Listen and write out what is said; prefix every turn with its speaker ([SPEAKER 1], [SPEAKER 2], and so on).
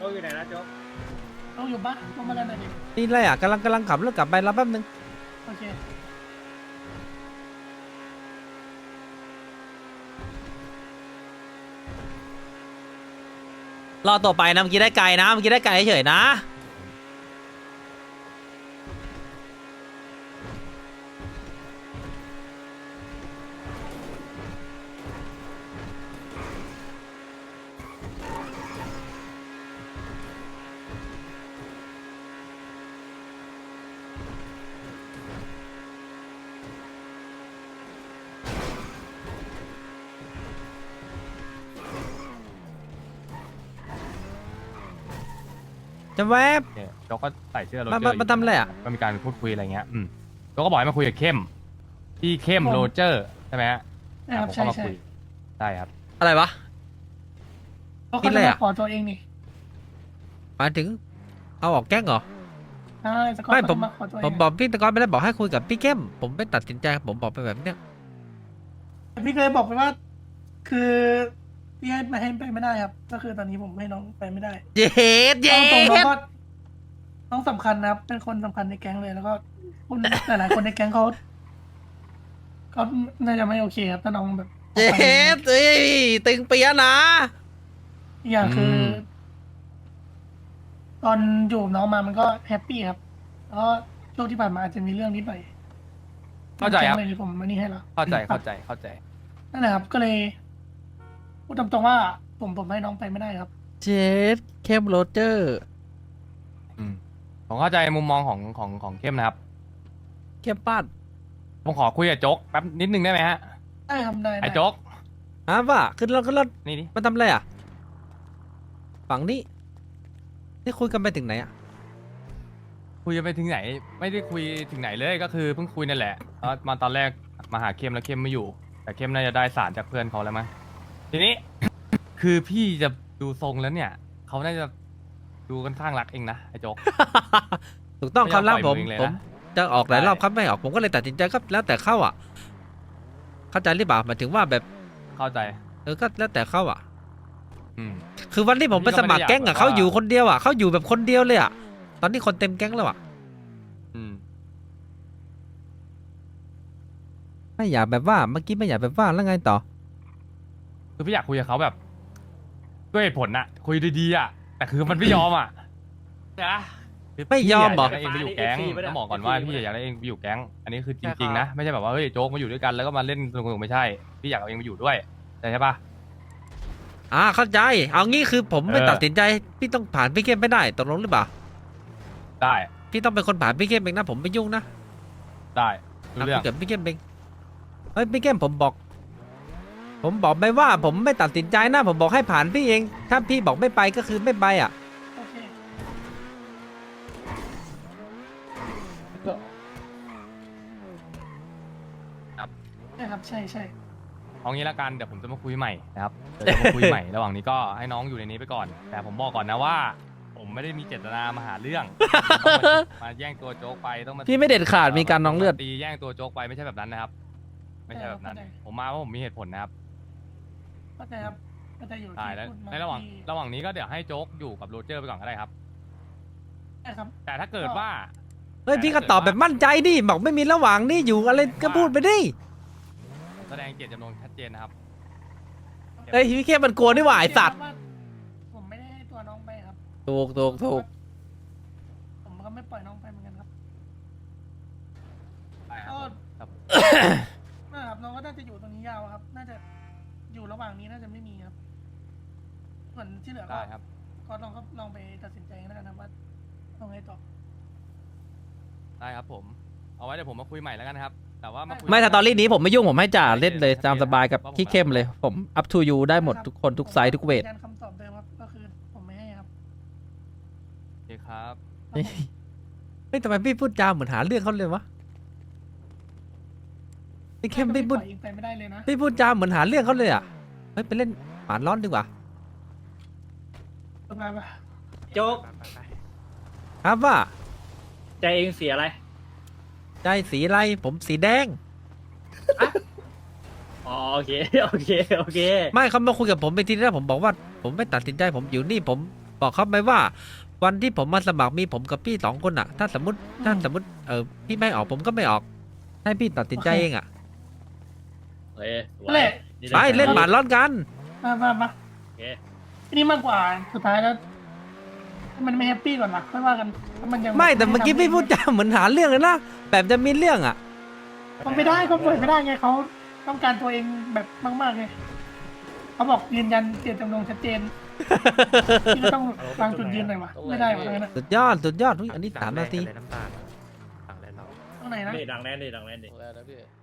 [SPEAKER 1] โจ๊กอยู่ไหนนะโจ๊ก
[SPEAKER 2] ต้องอยู่บ้านต้องมาเล่นอะไรดิ
[SPEAKER 3] นี่อะไรอ่ะกำลังขับรถกลับไปรับแป๊บนึง
[SPEAKER 2] โอเค
[SPEAKER 3] รอต่อไปนะเมื่อกี้ได้ไกลนะเมื่อกี้ได้ไกลเฉยๆนะจะแวบ
[SPEAKER 4] เนี่ยโจ๊กก็ใส่เสื้อโรเจอ
[SPEAKER 3] มา
[SPEAKER 4] ร์
[SPEAKER 3] มาทำอะไรอ่ะ
[SPEAKER 4] ก็มีการพูดคุยอะไรเงี้ยโจ๊กก็บอกให้มาคุยกับเข้มพี่เข้มโรเจอร์ใช่ไหมฮะ
[SPEAKER 2] นะครับ
[SPEAKER 4] ผม
[SPEAKER 2] ใช่
[SPEAKER 4] ก็มา
[SPEAKER 2] ใช่
[SPEAKER 4] คุยได้ครับ
[SPEAKER 3] อะไรวะ
[SPEAKER 2] เพราะ
[SPEAKER 3] คิ
[SPEAKER 2] เขา
[SPEAKER 3] ดอะไร
[SPEAKER 2] จะ
[SPEAKER 3] อะ
[SPEAKER 2] มาขอตัวเองนี่
[SPEAKER 3] หมายถึงเอาออกแก๊งเหรอ
[SPEAKER 2] ใช่สกอต
[SPEAKER 3] ไม่
[SPEAKER 2] เขา
[SPEAKER 3] ผม
[SPEAKER 2] จะมาขอตัวเอ
[SPEAKER 3] ผม
[SPEAKER 2] ง
[SPEAKER 3] บอกพี่ตะกอนไปแล้วบอกให้คุยกับพี่เข้มผมไม่ตัดสินใจผมบอกไปแบบเนี้ย
[SPEAKER 2] พี่เคยบอกไปว่า คือพี่ให้มาให้ไปไม่ได้ครับ ก็คือตอนนี้ผมให้น้องไปไม่ได้
[SPEAKER 3] เย็ดเย็
[SPEAKER 2] เอาตรงน้อง
[SPEAKER 3] ด
[SPEAKER 2] ก็น้องสำคัญนะครับ เป็นคนสำคัญในแก๊งเลย แล้วก็คุณหลายๆคนในแก๊งเขาน่าจะไม่โอเคครับถ้าน้องแบบออก
[SPEAKER 3] เย็
[SPEAKER 2] ไป
[SPEAKER 3] ดเอ้ยตึงเปียะนะ
[SPEAKER 2] อีกอย่างคือ
[SPEAKER 4] ม
[SPEAKER 2] ตอนอยู่กับน้องมามันก็แฮปปี้ครับ แล้วก็ช่วงที่ผ่านมาอาจจะมีเรื่องนิดหน่อย
[SPEAKER 4] เข้าใจครับ
[SPEAKER 2] แก๊งเลยผมมานี่ให้แล้ว
[SPEAKER 4] เข้าใจ
[SPEAKER 2] นั่นแหละครับ ก็เลยพูดตามตรงว่าผมให้น้องไปไม่ได้ครับ
[SPEAKER 3] เจ็ดเข้มโรเจอร์
[SPEAKER 4] ผมเข้าใจมุมมองของเข้มนะครับ
[SPEAKER 3] เข้มป้าน
[SPEAKER 4] ผมขอคุยกับโจ๊กแป๊บนิดนึงได้ไหมฮะ
[SPEAKER 2] ได้ครับได้
[SPEAKER 4] ไอ้โจ๊ก
[SPEAKER 3] ฮะว่าขึ้นรถ
[SPEAKER 4] นี่ดิ
[SPEAKER 3] มาทำอะไรอ่ะฝั่งนี้นี่คุยกันไปถึงไหนอ่ะ
[SPEAKER 4] คุยไปถึงไหน ไม่ได้คุยถึงไหนเลยก็คือเพิ่งคุยนั่นแหละแล้วมาตอนแรกมาหาเข้มแล้วเข้มไม่อยู่ แต่เข้มน่าจะได้สารจากเพื่อนเขาแล้วมั้งทีนี้ คือพี่จะดูทรงแล้วเนี่ยเขาน่าจะดูกันข้างรักเองนะไอ้โจ๊ก
[SPEAKER 3] ถูกต้อง
[SPEAKER 4] ไม่
[SPEAKER 3] คำรับ
[SPEAKER 4] ยอมปล่อย
[SPEAKER 3] ผม
[SPEAKER 4] มือเองเลย
[SPEAKER 3] ผ
[SPEAKER 4] นะ
[SPEAKER 3] มจะออกหลาย
[SPEAKER 4] ใช่
[SPEAKER 3] รอบครับไม่ออกผมก็เลยตัดสินใจก็แล้วแต่เข้าอ่ะ เข้าใจหรือเปล่าหมายถึงว่าแบบ
[SPEAKER 4] เข้าใจ
[SPEAKER 3] ก็แล้วแต่เข้าอ่ะ
[SPEAKER 4] อืม
[SPEAKER 3] คือวันที่ผมไปสมัครแก๊งอ่ะ
[SPEAKER 4] พี่ก็
[SPEAKER 3] เขา
[SPEAKER 4] ไม่ได้อยาก
[SPEAKER 3] อยู่คนเดียวอ่ะเขาอยู่แบบคนเดียวเลยอ่ะตอนนี้คนเต็มแก๊งแล้วอ่ะ
[SPEAKER 4] อืม
[SPEAKER 3] ไม่อยากแบบว่าเมื่อกี้ไม่อยากแบบว่าแล้วไงต่อ
[SPEAKER 4] คือพี่อยากคุยกับเขาแบบด้วยเหตุผลน่ะ คุยดีๆอ่ะแต่คือมันไม่ยอมอ่ะ
[SPEAKER 1] นะ
[SPEAKER 4] คือ
[SPEAKER 3] ไม่ยอมเหรอ
[SPEAKER 4] พี่ยากได้เองไปอยู่แก๊ง
[SPEAKER 1] FP ปะเนี่ย
[SPEAKER 4] ต้องบอกก่อนว่า
[SPEAKER 1] FP
[SPEAKER 4] พี่อยากได้เองไปอยู่แก๊งอันนี้คือจ
[SPEAKER 1] ใช่
[SPEAKER 4] ริง
[SPEAKER 1] ครับ
[SPEAKER 4] ๆนะไม่ใช่แบบว่าเฮ้ยโจ๊กมาอยู่ด้วยกันแล้วก็มาเล่นสนุกๆไม่ใช่พี่อยากเอาเองไปอยู่ด้วยใช่ปะ
[SPEAKER 3] เข้าใจเอางี้คือผมไม่
[SPEAKER 4] เออ
[SPEAKER 3] ตัดสินใจพี่ต้องผ่านพี่เข้มไม่ได้ตกลงหรือเปล่า
[SPEAKER 4] ได้
[SPEAKER 3] พี่ต้องเป็นคนผ่านพี่เข้มเองนะผมไม่ยุ่งนะ
[SPEAKER 4] ได้รู้
[SPEAKER 3] คุ
[SPEAKER 4] เรื่อย ง
[SPEAKER 3] กับพี่เข้มเองเฮ้ยพี่เข้มผมบอกไปว่าผมไม่ตัดสินใจนะ ผมบอกให้ผ่านพี่เอง ถ้าพี่บอกไม่ไปก็คือไม่ไปอ่ะ
[SPEAKER 2] โอเคใช่ครับใช่ใช่
[SPEAKER 4] เอางี้ละกันเดี๋ยวผมจะมาคุยใหม่นะครับเดี๋ยวจะมาคุยใหม่ ระหว่างนี้ก็ให้น้องอยู่ในนี้ไปก่อน แต่ผมบอกก่อนนะว่า ผมไม่ได้มีเจตนามาหาเรื่องต้องมาแย่งตัวโจ๊กไปต้องมา
[SPEAKER 3] พี่ไม่เด็ดขาดมีการน้องเลือด
[SPEAKER 4] ตีแย่งตัวโจ๊กไปไม่ใช่แบบนั้นนะครับ ไม่ใช่แบบนั้น ผมมาเพราะผมมีเหตุผลนะครับ
[SPEAKER 2] เข้าใจครับเข้าใจอยู่
[SPEAKER 4] ได้
[SPEAKER 2] ที่
[SPEAKER 4] แล้ว
[SPEAKER 2] พูดมา
[SPEAKER 4] ในระหว่าง
[SPEAKER 2] ที่
[SPEAKER 4] ระหว่างนี้ก็เดี๋ยวให้โจ๊กอยู่กับโรเจอร์ไปก่อนก็ได้ครับ
[SPEAKER 2] ใช่ครับ
[SPEAKER 4] แต่ถ้าเกิดว่า
[SPEAKER 3] เฮ้ยพี่ก็ตอบแบบมั่นใจดิบอกไม่มีระหว่างนี่อยู่อะไรก็พูดไปดิ
[SPEAKER 4] แสดงเจตจำนงชัดเจนนะครับ
[SPEAKER 3] เฮ้ยพี่เข้มมันกลัวนี่หว่าไอสัตว์
[SPEAKER 2] ผมไม่ได้ให้ตัวน้องไปครับ
[SPEAKER 3] ถูก
[SPEAKER 2] ผมก็ไม่ปล่อยน้องไปเหมือนกันครับ
[SPEAKER 4] ได้ครับ
[SPEAKER 2] ก็
[SPEAKER 4] ครับ
[SPEAKER 2] นะครับน้องก็น่าจะอยู่ตรงนี้ยาวครับ น่าจะอยู่ระหว่างนี้น่าจะไม่มีครับ ส่วนที่เหลือก็
[SPEAKER 4] ได้ครับ
[SPEAKER 2] ก็ลองไปตัดสินใจกันแล้วกันนะว่าเอาไงต่อ
[SPEAKER 4] ได้ครับผม เอาไว้เดี๋ยวผมมาคุยใหม่แล้วกันนะครับ แต่ว่ามาคุย
[SPEAKER 3] ไม่ถ้าตอนนี้ผมไม่ยุ่งผมให้จ่าเล่นเลยตามสบายกับพี่เข้มเลยผม up to you ได้หมดทุกคนทุกไซส์ทุกเวท
[SPEAKER 2] ยืนยันคำตอบเดิมครับ ก็คือผมไม่ให้ครับ
[SPEAKER 4] โอเคครับ
[SPEAKER 3] เฮ้ยเฮ้ยทำไมพี่พูดจาเหมือนหาเรื่องเขาเลยวะพี่เข้มพี่พูด
[SPEAKER 2] ปล่อยอีกไปไม่ได้เลยนะ
[SPEAKER 3] พี่พูดจาเหมือนหาเรื่องเขาเลยอ่ะเฮ้ยไปเล่นหมานร้อนดีกว่า
[SPEAKER 2] ไปไป
[SPEAKER 1] โจ๊ก
[SPEAKER 3] ครับว่า
[SPEAKER 1] ใจเองเสียอะไร
[SPEAKER 3] ใจสีอะไรผมสีแดง
[SPEAKER 1] อ๋อโอเค โอเค โอเค
[SPEAKER 3] ไม่เขามาคุยกับผมไปทีแรกผมบอกว่า ผมไม่ตัดสินใจผมอยู่นี่ผมบอกเขาไปว่า วันที่ผมมาสมัครมีผมกับพี่2 คนอะถ้าสมมติพี่ไม่ออกผมก็ไม่ออก ให้พี่ตัดสินใจเองอะ
[SPEAKER 1] เฮ้ยสวย
[SPEAKER 2] นั่นแหละ
[SPEAKER 1] นี่
[SPEAKER 3] ไปเล่นหมาร้อนกัน
[SPEAKER 2] มา
[SPEAKER 1] โอเค
[SPEAKER 2] ทีนี้มากกว่าสุดท้ายแล้วถ้ามันไม่แฮปปี้ก่อนนะไม่ว่ากันถ้ามันยัง
[SPEAKER 3] ไม่แต่เมื่อกี้พี่พูดจาเหมือนหาเรื่องเลยนะแบบจะมีเรื่องอะ
[SPEAKER 2] มันไม่ได้เขาเปิดไม่ได้ไงเขาต้องการตัวเองแบบมากๆไงเขาบอกยืนยันเจตจำนงชัดเจนพี่ก็ต้องวางจุดยืนหน่อยวะไม่ได้วะงั้นนะ
[SPEAKER 3] สุดยอดอุ๊ยอันนี้3 นาที
[SPEAKER 2] ตรงไหนนะ
[SPEAKER 1] นี่ดังแน่นดิ
[SPEAKER 5] แล้วนะพี่